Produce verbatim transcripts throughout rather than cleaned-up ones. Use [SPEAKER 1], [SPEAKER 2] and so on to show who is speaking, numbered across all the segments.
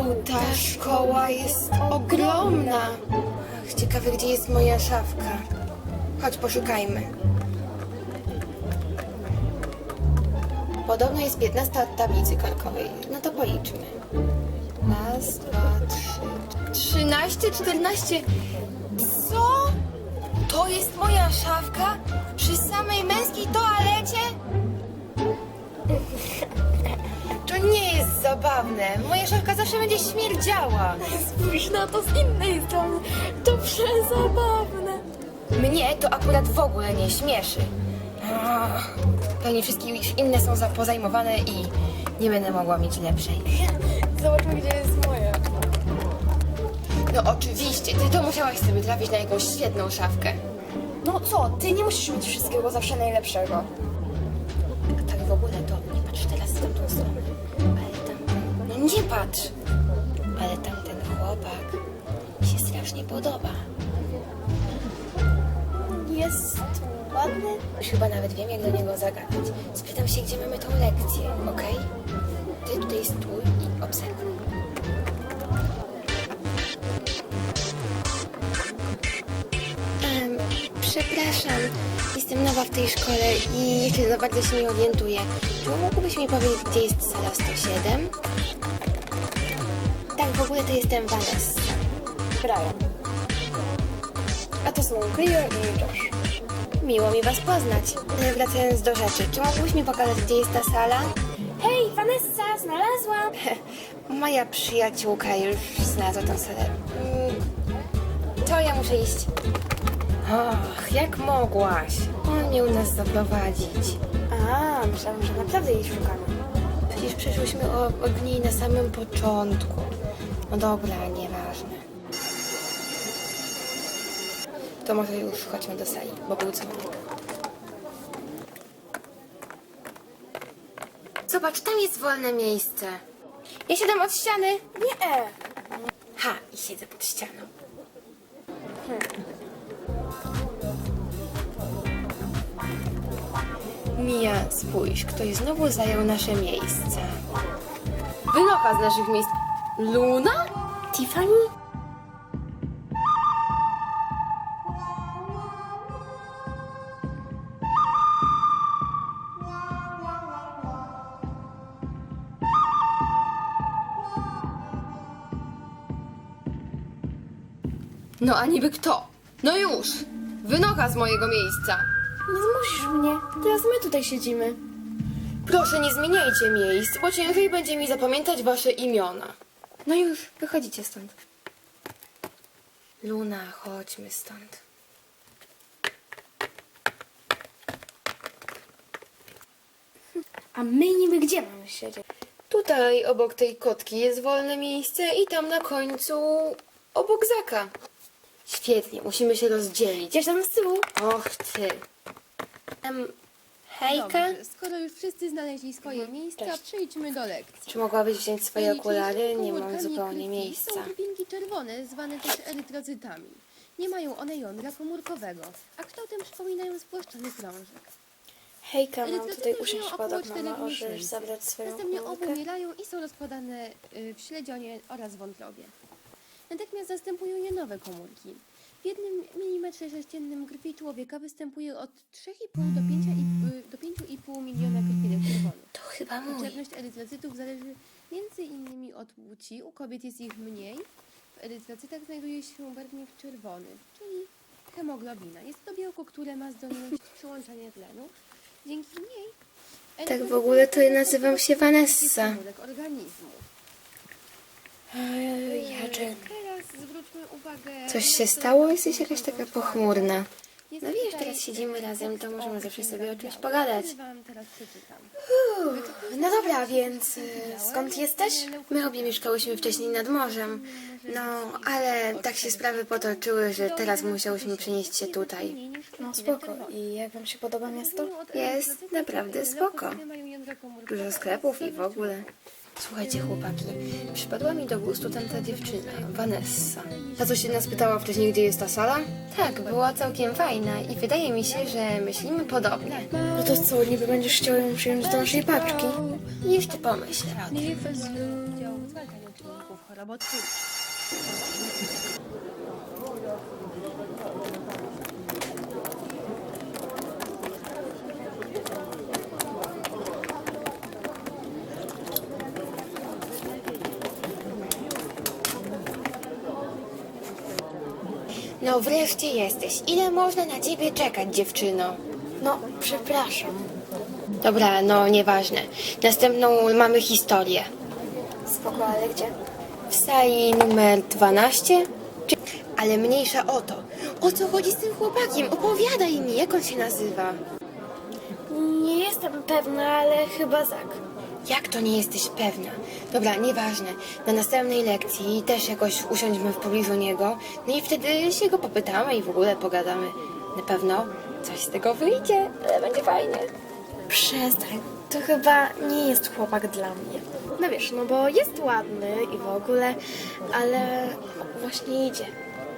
[SPEAKER 1] ta szkoła jest ogromna. Ach, ciekawe, gdzie jest moja szafka. Chodź, poszukajmy. Podobno jest piętnaście od tablicy korkowej. No to policzmy. Raz, dwa, trzy, trzynaście, czternaście. Co? To jest moja szafka? Przy samej męskiej toalecie? To nie jest zabawne. Moja szafka zawsze będzie śmierdziała.
[SPEAKER 2] Spójrz na to z innej strony. To przezabawne.
[SPEAKER 1] Mnie to akurat w ogóle nie śmieszy. Ach, pewnie wszystkie inne są za- pozajmowane i nie będę mogła mieć lepszej.
[SPEAKER 2] Zobaczmy, gdzie jest moja.
[SPEAKER 1] No oczywiście, ty to musiałaś sobie trafić na jakąś świetną szafkę.
[SPEAKER 2] No co, ty nie musisz mieć wszystkiego zawsze najlepszego.
[SPEAKER 1] A tak w ogóle to nie patrz teraz w tamtą stronę. Ale tamten... No nie patrz! Ale tamten chłopak mi się strasznie podoba.
[SPEAKER 2] Jest ładny.
[SPEAKER 1] Już chyba nawet wiem, jak do niego zagadać. Spytam się, gdzie mamy tą lekcję, okej? Ty tutaj stój i obserwuj. Um, przepraszam, jestem nowa w tej szkole i jeszcze za bardzo się nie orientuję. Czy mógłbyś mi powiedzieć, gdzie jest sala sto siedem? Tak, w ogóle to jestem Vanessa.
[SPEAKER 2] Brian. A to są Cleo i Josh.
[SPEAKER 1] Miło mi was poznać. Ale wracając do rzeczy, czy mógłbyś mi pokazać, gdzie jest ta sala?
[SPEAKER 2] Hej, Vanessa, znalazłam.
[SPEAKER 1] Moja przyjaciółka już znalazła tę salę. Mm, To ja muszę iść. Och, jak mogłaś? On miał nas zaprowadzić.
[SPEAKER 2] A, myślałam, że naprawdę jej szukamy.
[SPEAKER 1] Przecież przeszłyśmy o, od niej na samym początku. No dobra, nieważne. To może już chodźmy do sali, bo był dzwonek. Zobacz, tam jest wolne miejsce. Ja siadam od ściany.
[SPEAKER 2] Nie.
[SPEAKER 1] Ha, i siedzę pod ścianą. Mia, spójrz, ktoś znowu zajął nasze miejsce. Wynocha z naszych miejsc. Luna?
[SPEAKER 2] Tiffany?
[SPEAKER 1] No a niby kto? No już! Wynocha z mojego miejsca.
[SPEAKER 2] Nie zmusisz mnie. Teraz my tutaj siedzimy.
[SPEAKER 1] Proszę, nie zmieniajcie miejsc, bo ciężej będzie mi zapamiętać wasze imiona. No już, wychodzicie stąd. Luna, chodźmy stąd.
[SPEAKER 2] A my niby gdzie mamy siedzieć?
[SPEAKER 1] Tutaj obok tej kotki jest wolne miejsce i tam na końcu obok Zaka. Świetnie, musimy się rozdzielić.
[SPEAKER 2] Gdzieś tam z tyłu.
[SPEAKER 1] Och ty. Em, hejka,
[SPEAKER 3] Dobrze, skoro już wszyscy znaleźli swoje miejsca,
[SPEAKER 2] Cześć.
[SPEAKER 3] przejdźmy do lekcji.
[SPEAKER 1] czy mogłabyś wziąć swoje okulary? Nie mam
[SPEAKER 3] Komórkami
[SPEAKER 1] zupełnie
[SPEAKER 3] krwi
[SPEAKER 1] miejsca.
[SPEAKER 3] Są krwinki czerwone, zwane też erytrocytami. Nie mają one jądra komórkowego, a kształtem przypominają spłaszczony krążek.
[SPEAKER 2] Hejka, mam
[SPEAKER 3] Erytrocyty
[SPEAKER 2] tutaj
[SPEAKER 3] żyją
[SPEAKER 2] usiąść
[SPEAKER 3] około
[SPEAKER 2] podok.
[SPEAKER 3] czterech
[SPEAKER 2] Mama, możesz
[SPEAKER 3] miesięcy.
[SPEAKER 2] zabrać swoją
[SPEAKER 3] Następnie
[SPEAKER 2] komórkę?
[SPEAKER 3] obumierają i są rozkładane y, w śledzionie oraz wątrobie. Natychmiast zastępują je nowe komórki. W jednym milimetrze sześciennym krwi człowieka występuje od trzech i pół do pięciu i pół miliona krwinek czerwonych.
[SPEAKER 1] To chyba mój.
[SPEAKER 3] Liczebność erytrocytów zależy między innymi od płci. U kobiet jest ich mniej. W erytrocytach znajduje się barwnik czerwony, czyli hemoglobina. Jest to białko, które ma zdolność przyłączania tlenu. Dzięki niej
[SPEAKER 1] Tak w ogóle to ja nazywam się Vanessa.
[SPEAKER 3] komórek organizmu.
[SPEAKER 1] Ej, Jaczek.
[SPEAKER 3] Teraz zwróćmy uwagę...
[SPEAKER 1] Coś się
[SPEAKER 3] na to,
[SPEAKER 1] stało?
[SPEAKER 3] jak
[SPEAKER 1] Jesteś jakaś taka pochmurna.
[SPEAKER 3] Jest
[SPEAKER 1] No wiesz,
[SPEAKER 3] tutaj
[SPEAKER 1] teraz siedzimy razem, to możemy
[SPEAKER 3] tekst
[SPEAKER 1] zawsze
[SPEAKER 3] o
[SPEAKER 1] sobie o czymś
[SPEAKER 3] białach.
[SPEAKER 1] pogadać.
[SPEAKER 3] Wam teraz przeczytam.
[SPEAKER 1] No dobra, więc y, skąd jesteś? My obie mieszkałyśmy wcześniej nad morzem. No, ale tak się sprawy potoczyły, że teraz musiałyśmy przenieść się tutaj.
[SPEAKER 2] No spoko. I jak wam się podoba miasto?
[SPEAKER 1] Jest naprawdę spoko. Dużo sklepów i w ogóle. Słuchajcie, chłopaki, przypadła mi do gustu tamta dziewczyna, Vanessa. Ta, co się nas pytała wcześniej, gdzie jest ta sala? Tak, była całkiem fajna i wydaje mi się, że myślimy podobnie.
[SPEAKER 2] No to co, niby będziesz chciał ją przyjąć do naszej paczki?
[SPEAKER 1] Jeszcze pomyślę o tym.
[SPEAKER 3] Dział w zwalczaniu czynników robotwórczy.
[SPEAKER 1] No wreszcie jesteś. Ile można na ciebie czekać, dziewczyno?
[SPEAKER 2] No, przepraszam.
[SPEAKER 1] Dobra, no nieważne. Następną mamy historię.
[SPEAKER 2] Spoko, ale gdzie?
[SPEAKER 1] W sali numer dwanaście? Czy... Ale mniejsza o to. O co chodzi z tym chłopakiem? Opowiadaj mi, jak on się nazywa.
[SPEAKER 2] Nie jestem pewna, ale chyba Zak.
[SPEAKER 1] Jak to nie jesteś pewna? Dobra, nieważne. Na następnej lekcji też jakoś usiądźmy w pobliżu niego. No i wtedy się go popytamy i w ogóle pogadamy. Na pewno coś z tego wyjdzie, ale będzie fajnie.
[SPEAKER 2] Przestań, to chyba nie jest chłopak dla mnie. No wiesz, no bo jest ładny i w ogóle, ale właśnie idzie.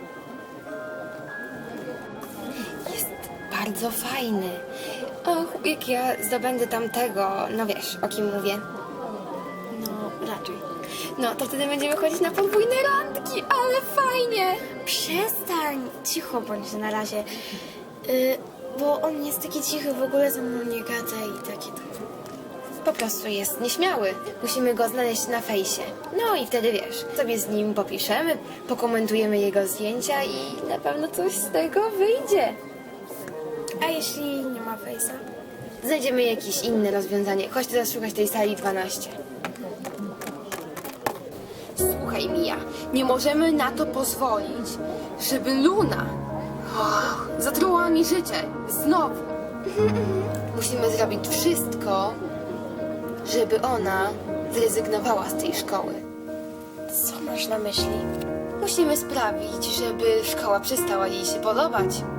[SPEAKER 1] Jest bardzo fajny. Och, jak ja zdobędę tamtego, no wiesz, o kim mówię.
[SPEAKER 2] No, raczej.
[SPEAKER 1] No, to wtedy będziemy chodzić na podwójne randki, ale fajnie.
[SPEAKER 2] Przestań, cicho bądź na razie. Y, bo on jest taki cichy, w ogóle ze mną nie gada i takie to.
[SPEAKER 1] Po prostu jest nieśmiały. Musimy go znaleźć na fejsie. No i wtedy wiesz, sobie z nim popiszemy, pokomentujemy jego zdjęcia i na pewno coś z tego wyjdzie.
[SPEAKER 2] A jeśli nie ma fejsa?
[SPEAKER 1] Znajdziemy jakieś inne rozwiązanie. Chodź teraz szukać tej sali dwanaście. Słuchaj, Mija, nie możemy na to pozwolić, żeby Luna oh, zatruła mi życie. Znowu. Musimy zrobić wszystko, żeby ona zrezygnowała z tej szkoły.
[SPEAKER 2] Co masz na myśli?
[SPEAKER 1] Musimy sprawić, żeby szkoła przestała jej się podobać.